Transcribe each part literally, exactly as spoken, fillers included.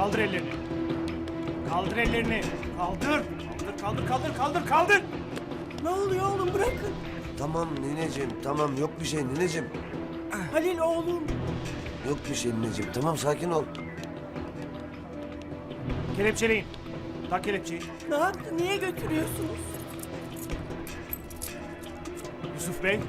Kaldır ellerini. Kaldır ellerini. Kaldır. Kaldır, kaldır, kaldır, kaldır, kaldır. Ne oluyor oğlum, bırakın. Tamam nineciğim, tamam yok bir şey nineciğim. Halil oğlum. Yok bir şey nineciğim, tamam sakin ol. Kelepçeleyin. Tak kelepçeyi. Ne yaptı, niye götürüyorsunuz? Yusuf Bey.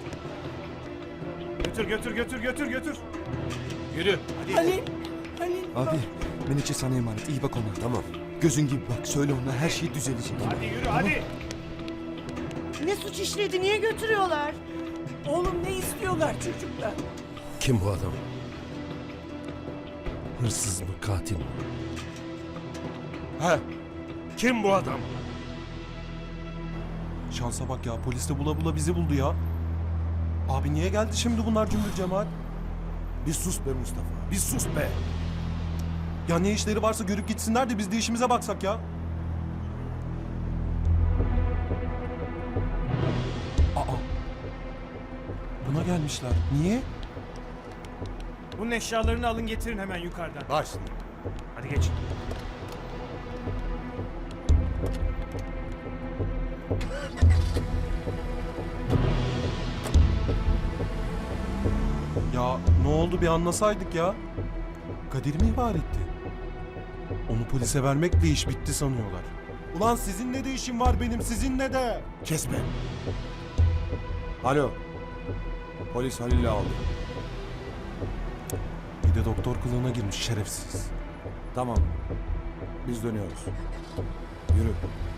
Götür, götür, götür, götür, götür. Yürü. Hadi. Halil, Halil. Abi Menekşe sana emanet. İyi bak ona. Tamam. Gözün gibi bak. Söyle ona her şey düzelecek. Hadi yürü, hadi. Ne suç işledi, niye götürüyorlar? Oğlum ne istiyorlar çocuklar? Kim bu adam? Hırsız mı, katil mi? He? Kim bu adam? Şansa bak ya, polis de bula bula bizi buldu ya. Abi niye geldi şimdi bunlar cümbür cemaat? Bir sus be Mustafa, bir sus be! Ya ne işleri varsa görüp gitsinler de biz de işimize baksak ya. Aa. Buna gelmişler. Niye? Bunun eşyalarını alın getirin hemen yukarıdan. Baş. Hadi geç. Ya ne oldu bir anlasaydık ya. Kadir mi ihbar etti? Onu polise vermekle iş bitti sanıyorlar. Ulan sizinle de işim var benim, sizinle de. Kesme! Alo. Polis Halil'i aldı. Bir de doktor kılığına girmiş şerefsiz. Tamam. Biz dönüyoruz. Yürü.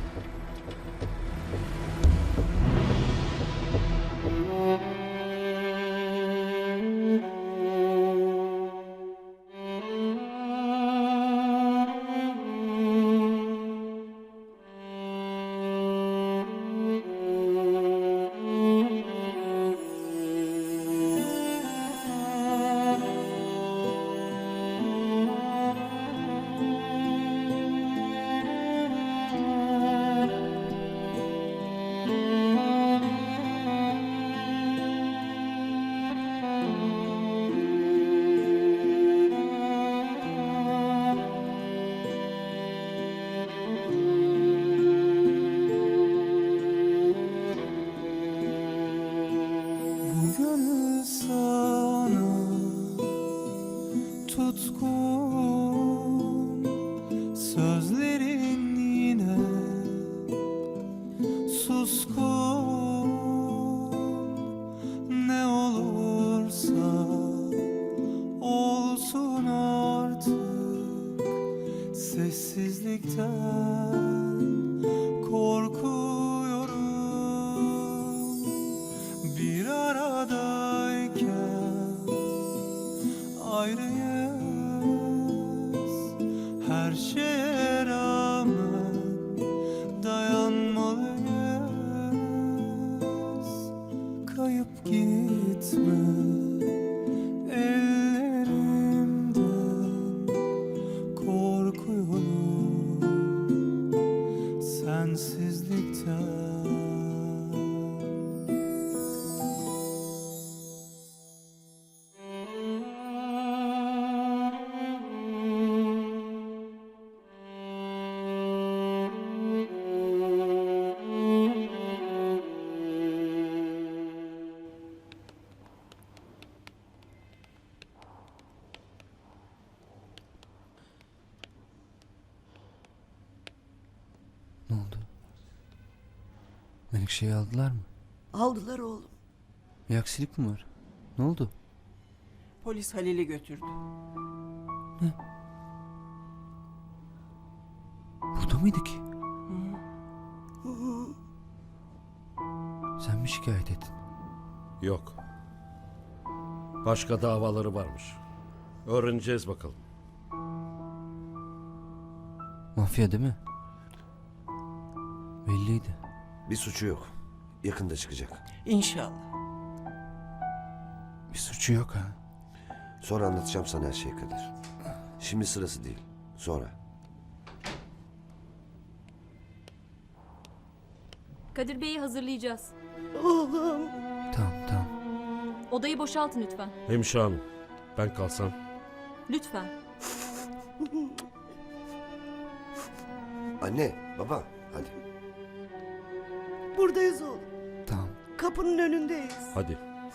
Gönül sana tutkun, sözlerin yine suskun. Ne olursa olsun artık, sessizlikten korkuyorum. Bir aradayken ayrıyız, her şeye rağmen dayanmalıyız. Kayıp gitme ellerimden, korkuyorum sensizlikten. Ne oldu? Menekşe'yi aldılar mı? Aldılar oğlum. Bir aksilik mi var? Ne oldu? Polis Halil'i götürdü. Burada mıydı ki? Sen mi şikayet ettin? Yok. Başka davaları varmış. Öğreneceğiz bakalım. Mafya değil mi? Belliydi. Bir suçu yok. Yakında çıkacak. İnşallah. Bir suçu yok ha. Sonra anlatacağım sana her şeyi Kadir. Şimdi sırası değil. Sonra. Kadir Bey'i hazırlayacağız. Oğlum. Tamam tamam. Odayı boşaltın lütfen. Hemşire hanım, ben kalsam. Lütfen. Anne, baba, hadi. Buradayız oğlum. Tamam. Kapının önündeyiz. Hadi.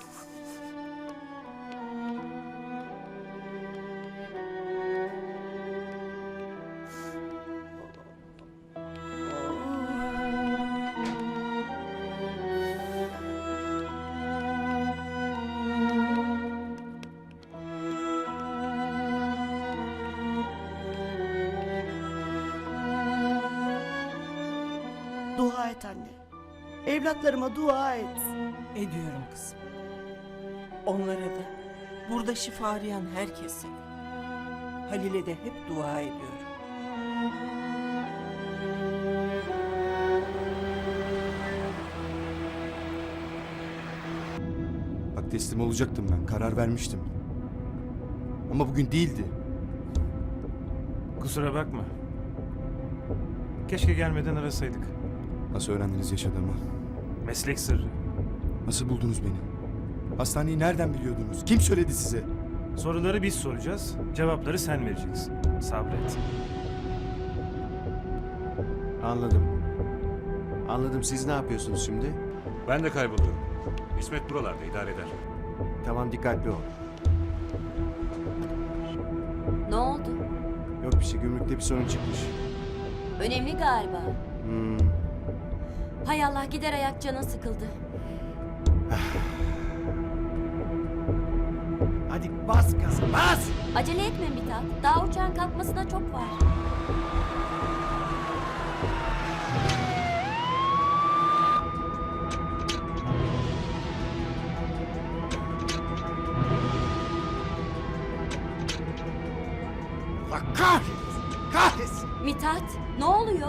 Dua et anne. Evlatlarıma dua et. Ediyorum kızım. Onlara da, burada şifa arayan herkese. Halil'e de hep dua ediyorum. Bak teslim olacaktım ben. Karar vermiştim. Ama bugün değildi. Kusura bakma. Keşke gelmeden arasaydık. Nasıl öğrendiniz yaşadığımı? Meslek sırrı. Nasıl buldunuz beni? Hastaneyi nereden biliyordunuz? Kim söyledi size? Soruları biz soracağız, cevapları sen vereceksin. Sabret. Anladım. Anladım. Siz ne yapıyorsunuz şimdi? Ben de kayboluyorum. İsmet buralarda idare eder. Tamam, dikkatli ol. Ne oldu? Yok bir şey, gümrükte bir sorun çıkmış. Önemli galiba. Hmm. Hay Allah, gider ayak canın sıkıldı. Hadi bas gaza bas. Acele etme Mithat. Daha uçağın kalkmasına çok var. Allah kahretsin. Kahretsin. Mithat, ne oluyor?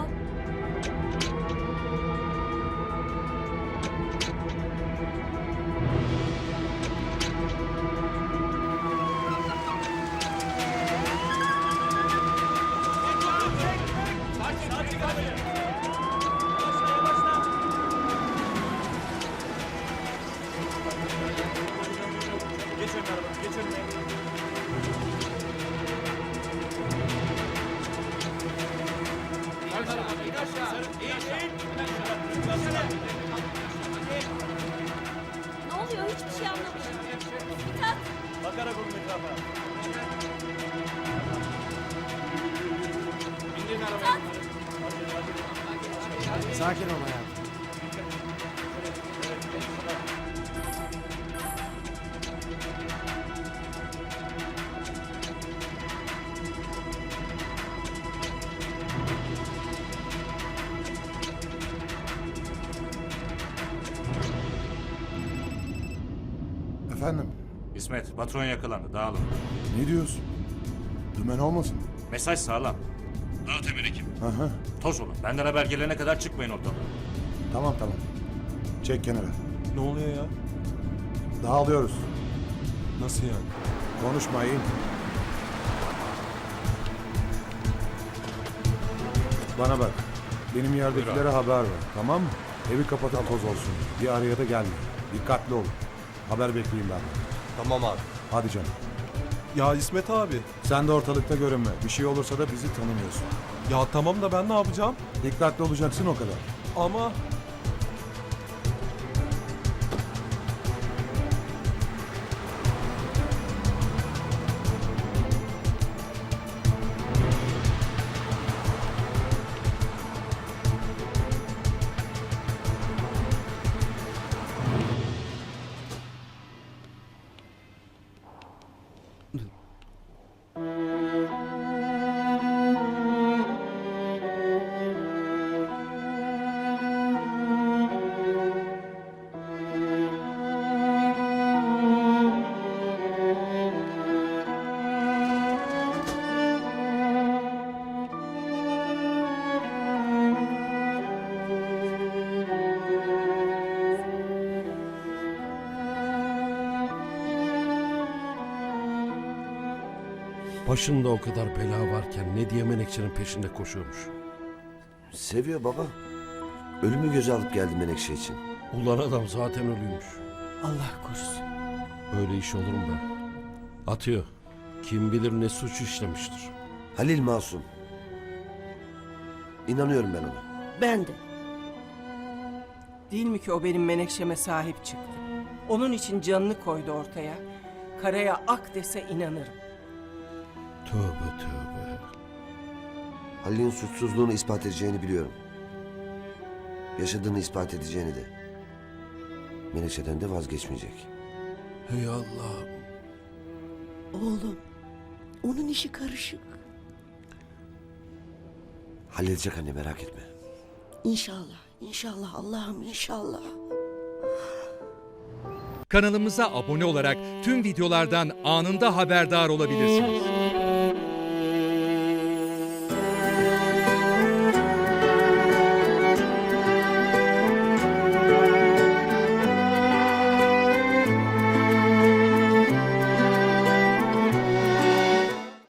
Ne oluyor? Hiçbir şey anlamıyorum. Mithat, Sakin ol hayatım. Efendim? İsmet, patron yakalandı. Dağılın. Ne diyorsun? Dümen olmasın? Mesaj sağlam. Dağıt emir ekip. Hı hı. Toz olun. Benden haber gelene kadar çıkmayın ortadan. Tamam tamam. Çek kenara. Ne oluyor ya? Dağılıyoruz. Nasıl yani? Konuşmayın. Bana bak. Benim yerdekilere haber ver. Tamam mı? Evi kapatan toz olsun. Bir araya da gelme. Dikkatli olun. Haber bekleyin ben. Tamam abi. Hadi canım. Ya İsmet abi. Sen de ortalıkta görünme. Bir şey olursa da bizi tanımıyorsun. Ya tamam da ben ne yapacağım? Dikkatli olacaksın o kadar. Ama... Başında o kadar bela varken ne diye Menekşe'nin peşinde koşuyormuş. Seviyor baba. Ölümü göze alıp geldi Menekşe için. Ulan adam zaten ölüymüş. Allah korusun. Öyle iş olur mu be? Atıyor. Kim bilir ne suç işlemiştir. Halil masum. İnanıyorum ben ona. Ben de. Değil mi ki o benim Menekşe'me sahip çıktı? Onun için canını koydu ortaya. Karaya ak dese inanırım. Tövbe tövbe. Halil'in suçsuzluğunu ispat edeceğini biliyorum. Yaşadığını ispat edeceğini de. Menekşe'den de vazgeçmeyecek. Hey Allah'ım. Oğlum, onun işi karışık. Halledecek anne, merak etme. İnşallah, inşallah Allah'ım inşallah. Kanalımıza abone olarak tüm videolardan anında haberdar olabilirsiniz.